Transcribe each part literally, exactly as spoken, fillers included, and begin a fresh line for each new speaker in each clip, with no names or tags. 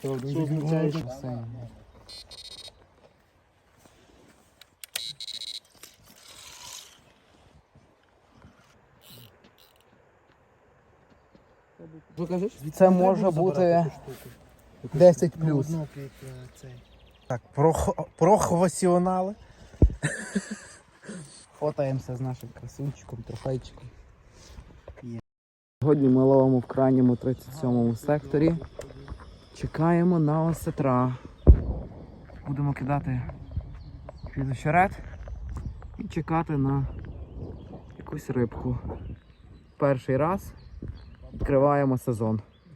Що означає?
Це може бути десять плюс.
Так, професіонали.
Фотаємося з нашим красунчиком, трофейчиком. Сьогодні ми ловимо в крайньому тридцять сьомому секторі. Чекаємо на осетра. Будемо кидати під очерет і чекати на якусь рибку. Перший раз відкриваємо сезон.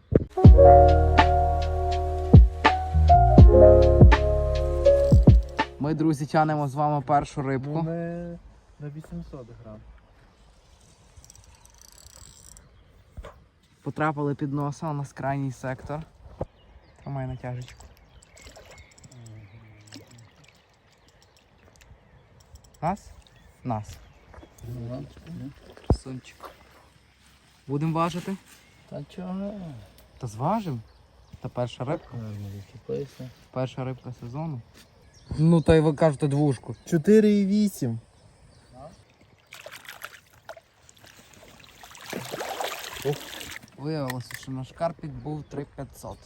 Ми, друзі, тянемо з вами першу рибку.
Ми на вісімсот грам.
Потрапили під носа, у нас крайній сектор. Тримай натяжечку. Нас? Нас. Красунчик. Будемо важити?
Та чого?
Та зважимо. Та перша рибка.
Відчіпайся.
Перша рибка сезону. Ну, та й ви кажете двушку.
чотири і вісім.
Виявилося, що наш карпік був три п'ятсот.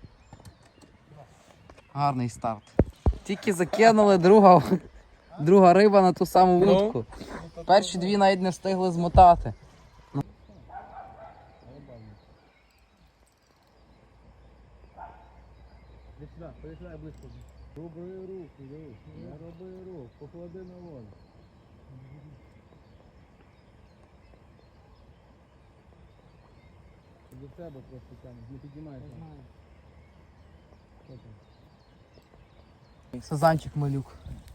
Гарний старт. Тільки закинули друга, друга риба на ту саму вудку. Перші дві навіть не встигли змотати.
Приїжджай близько. Роби рух, рух, не роби рух, поклади на воду. До тебе просто тягнеш, не піднімайся.
Сазанчик малюк.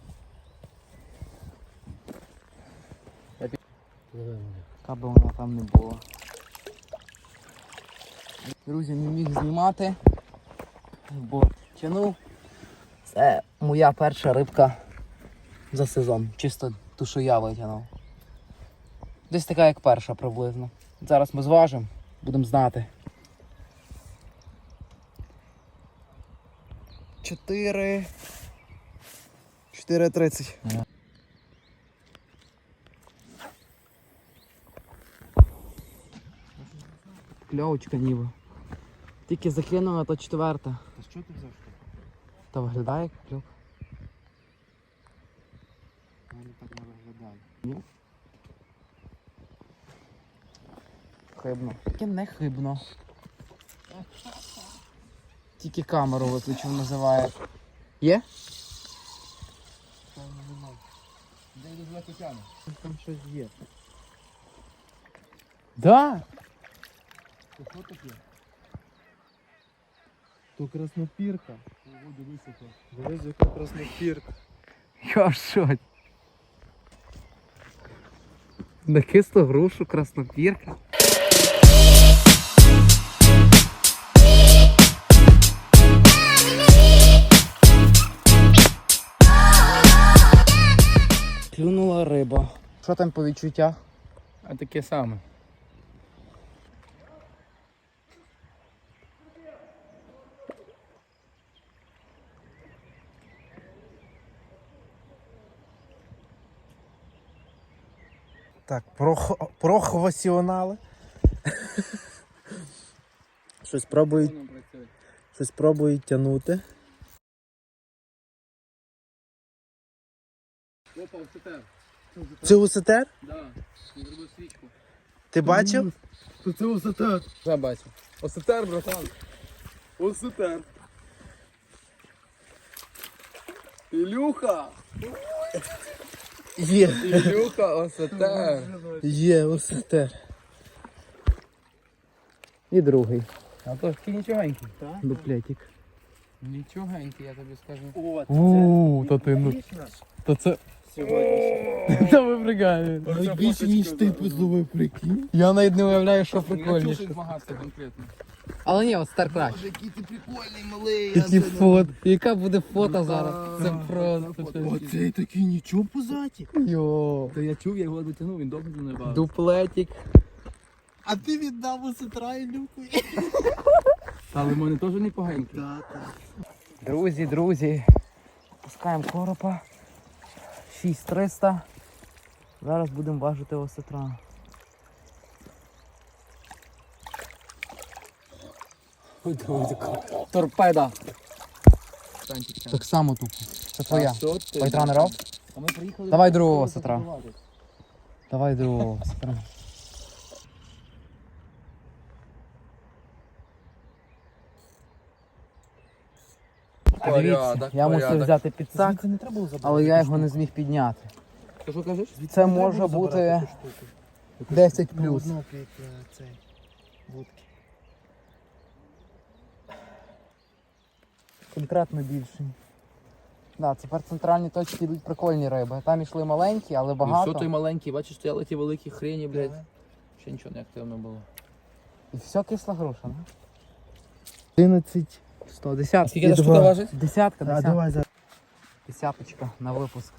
Яка би вона там не була. Друзі, не міг знімати, бо тянув. Це моя перша рибка за сезон. Чисто ту, що я витягнув. Десь така, як перша приблизно. Зараз ми зважимо, будемо знати. Чотири... чотири тридцять. Кльовочка ніби. Тільки закинула, то четверта.
Та що ти взяв?
Та виглядає як кльов.
Воно так не виглядає.
Ні? Хибно. Таке не хибно. Тільки камеру виключив, називає. Є?
Там немає. Де йду звати тяне? Там щось є.
Да!
То що таке? То краснопірка. Ого, дивись яка. Дивись яка краснопірка.
Я що? На кислу грушу краснопірка. Клюнула риба. Що там по відчуттях?
А таке саме. Так, професіонали. Щось пробують, щось пробують тягнути.
Опа, осетер.
Це осетер?
Да, зробив свічку.
Ти бачив?
То це осетер. Я бачу. Осетер, братан. Осетер. Ілюха.
Є.
Ілюха, осетер.
Є осетер.
І другий.
А то такий нічогенький.
Дуплетик.
Нічогенький, я тобі скажу.
Ууу, то ти, ну, то це...
Сьогодні.
Та ви прикольні.
Навіть більше, ніж ти позловив, прикинь.
Я навіть не уявляю, що
Я
прикольніше.
чув змагатися конкретно.
Але ні, от стар краще.
Боже, який ти прикольний, малий.
Які фото. Яка буде фото зараз? Це просто.
Оцей такий нічого позаті.
Йо.
Та я чув, я його дотягнув, він добре не бавив.
Дуплетик.
А ти віддав осетра і люку. Та лимони теж непоганькі.
Друзі, друзі, пускаємо коропа. шість триста. Зараз будемо важити осетра.
Торпеда.
Так само тупо. Це твоя.
ти?
Вайтранеров?
А ми приїхали.
Давай другого осетра. Давай другого осетра. Дивіться, я мусив взяти підсак,
Звідси не треба було забрати.
але я його не зміг підняти.
Ти що кажеш?
Це може бути десять плюс.
Ну, під е, цей вудки.
Конкретно більший. Да, тепер центральні точки йдуть прикольні риби. Там йшли маленькі, але
І що той
багато.
маленький, бачиш, стояли ті великі хрені, блядь. Ще нічого не активно було.
І все кисла груша, не? одинадцять. сто, десятка.
Скільки та штука важить?
Десятка,
А
десятка.
давай за
Десяточка на випуск.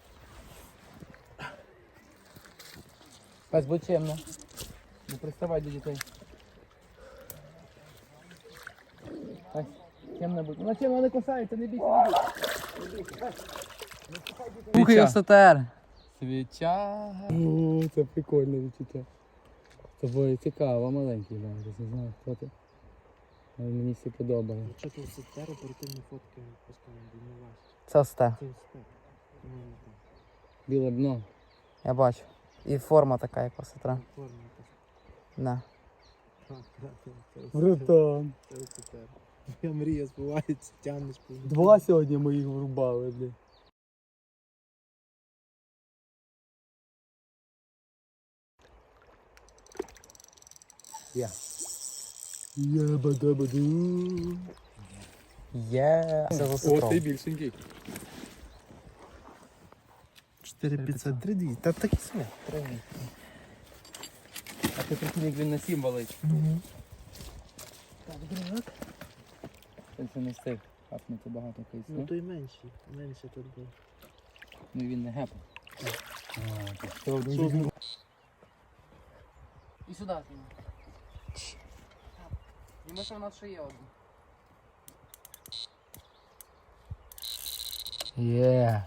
Пес, будь чемно.
Не приставай до дітей.
Пес, чемно будь. Вона чемно не кусається, не бійся, не бійся. Слухай, осетер.
Свіча. О, це прикольне відчуття. Це було цікаво, маленький, навіть не знаю, хто ти. Але мені все подобає.
Якщо ти сетер, оперативні фотки пускаємо, бо не важче.
Це осте.
Це сетер. Ну, не так.
Біле дно.
Я бачу. І форма така, як осетра.
Форма якась.
Да.
Так, так, так, це сетер.
Братан.
Це сетер. Моя мрія збувається, тягнеш по ній.
Два сьогодні моїх врубали, блядь.
Є.
Єбадабаду.
Є. Це з
О,
осетром.
ти більшенький.
чотири п'ятсот три дві. Та такі самі.
А ти прикинь, як він на сім валить.
Так, друг.
Це не встиг хапнути багато кейсу.
Ну то й менший. Менше тут був.
Ну він не гепав.
І сюди. Йому що в нас ще є один.
Є.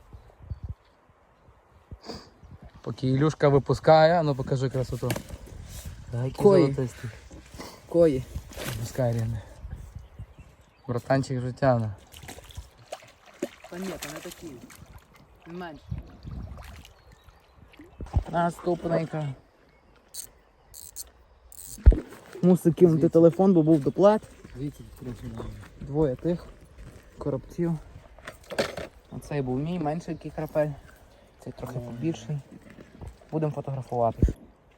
Поки Ілюшка випускає, ну покажи красоту.
Кої. Кої.
Пускай рівне. Братанчик вже тягне.
Та ні, то не такі. Він менше. Наступненька. Мусив кинути телефон, бо був доплат.
Дивіться, трохи.
Двоє тих коробців. Оцей був мій, менший крапель. Цей трохи побільший. Будемо фотографувати.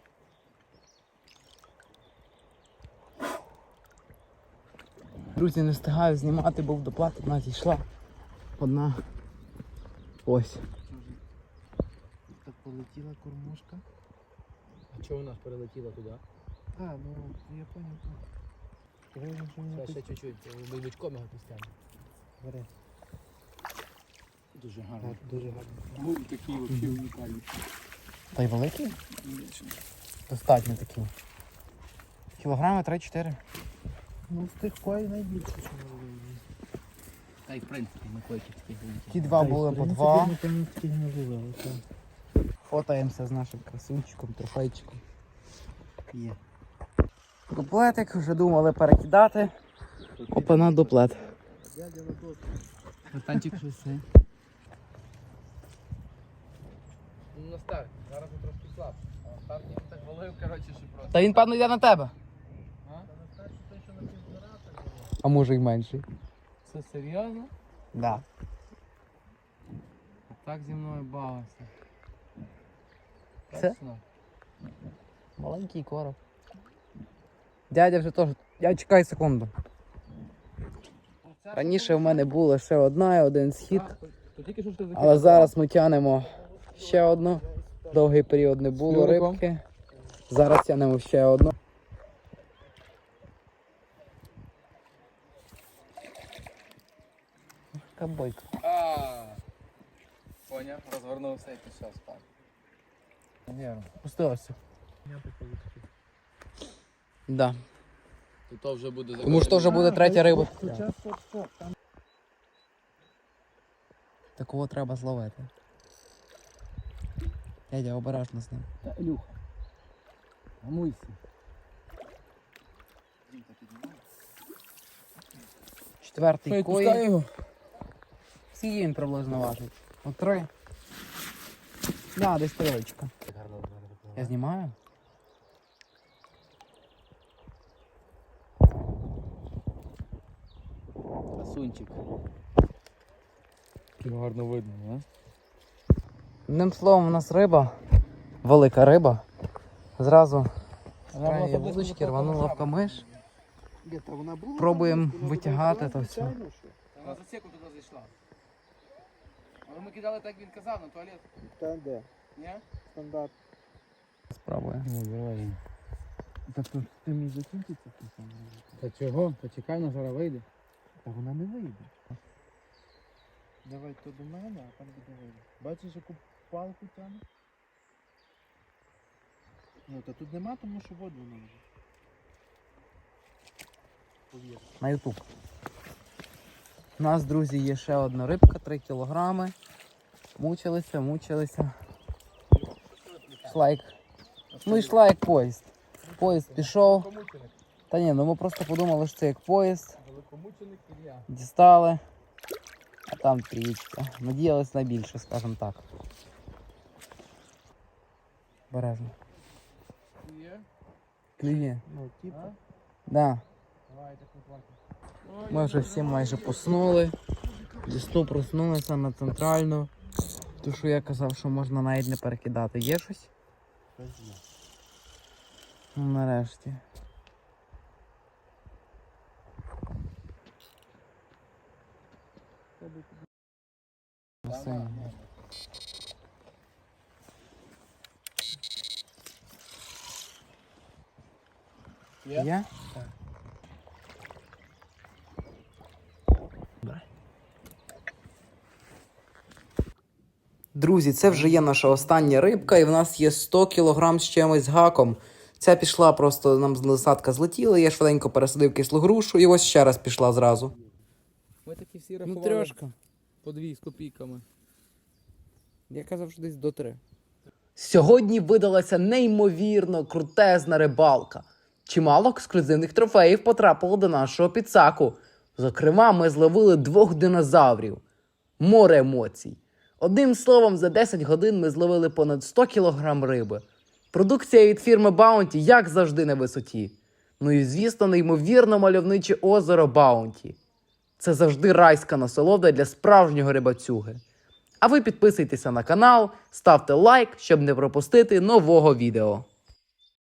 Друзі, не встигаю знімати, бо в доплат одна зійшла. Одна. Ось.
Так полетіла кормушка.
А чого вона перелетіла туди?
А, ну я понял. Давай вже не
Ще чуть-чуть, ми бичком його пустимо.
Бери.
Дуже
Так,
гарно.
дуже гарно.
Був такий взагалі унікальний.
Та й великий? Достатньо такий. Кілограми три-чотири.
Ну з тих кой найбільше, що ми вивели.
Та й в принципі ми койки такі великі.
Ті два
Та й,
були
в
по
принципі,
два.
ми там таких не вивели, так.
Фотаємося з нашим красунчиком, трофейчиком.
Є.
Дуплетик, вже думали перекидати. Опана дуплет.
Дядя на доску.
Братанчик щось це. Ну на старт, зараз він трошки слаб. А на старті він так валив, коротше, що просто.
Та він, певно, йде на тебе.
А?
А може й менший.
Це серйозно?
Да.
Так зі мною бавився.
Це?
Точно?
Маленький короб. Дядя вже теж. Я чекай секунду. Раніше в мене була ще одна і один схід.
То тільки що ж ти закинув?
Але зараз ми тянемо ще одну. Довгий період не було
Юриком.
рибки. Зараз тянемо ще одну. Кабойка.
А, поняв, розвернувся і пішов спати. Вірно.
Пустилося.
Я би полетів.
Да.
І то вже буде...
Тому що то вже буде третя риба.
Хоча стоп, стоп, там
Такого треба зловити. Дядя, обережно з ним.
Та, Ілюха, гамуйся.
Четвертий
Що,
кої.
відпускай його?
Скільки він приблизно важить? От три. Да, десь трьоєчка. Я знімаю?
Красунчик. Гарно видно, а?
Одним словом, у нас риба, велика риба. Зразу з крайньої вудочки рванула в камиш.
Ні, та вона була.
Пробуємо
там, вона
витягати
була,
то все.
звичайно, що.
Вона за секунду туди зайшла. Але ми кидали так, він казав, на туалет.
Та де?
Ні?
Стандарт.
Спробуємо.
Ну, давай.
Та то ти мій закінчиться ти сам.
Та чого? Та чекай, вона зараз вийде.
Та вона не вийде. Давай то до мене, а там буде вийде. Бачиш, яку палку тягне? Ну, та тут нема, тому що воду не може. Повір.
На ютуб. У нас, друзі, є ще одна рибка, три кілограми. Мучилися, мучилися. Йшла як... Ну йшла як поїзд. Поїзд пішов. Та ні, ну ми просто подумали, що це як поїзд.
Великомученик Ілля.
Дістали. А там трієчка. Надіялись на більше, скажімо так. Бережно.
Є?
Клює.
Ну, типа.
Да.
Давай, так не плакай.
Ми вже всі майже поснули. Дісту проснулися на центральну. Ту, що я казав, що можна навіть не перекидати. Є щось? Ну, нарешті. Басейн.
Є?
Є? Друзі, це вже є наша остання рибка, і в нас є сто кілограм з чимось з гаком. Ця пішла, просто нам з насадка злетіла, я швиденько пересадив кислу грушу, і ось ще раз пішла зразу.
Ми такі всі
Ну,
рахували
трьошка.
по дві з копійками.
Я казав, що десь до три. Сьогодні видалася неймовірно крутезна рибалка. Чимало ексклюзивних трофеїв потрапило до нашого підсаку. Зокрема, ми зловили двох динозаврів. Море емоцій. Одним словом, за десять годин ми зловили понад сто кілограм риби. Продукція від фірми Bounty, як завжди, на висоті. Ну і, звісно, неймовірно мальовниче озеро Bounty. Це завжди райська насолода для справжнього рибацюги. А ви підписуйтеся на канал, ставте лайк, щоб не пропустити нового відео.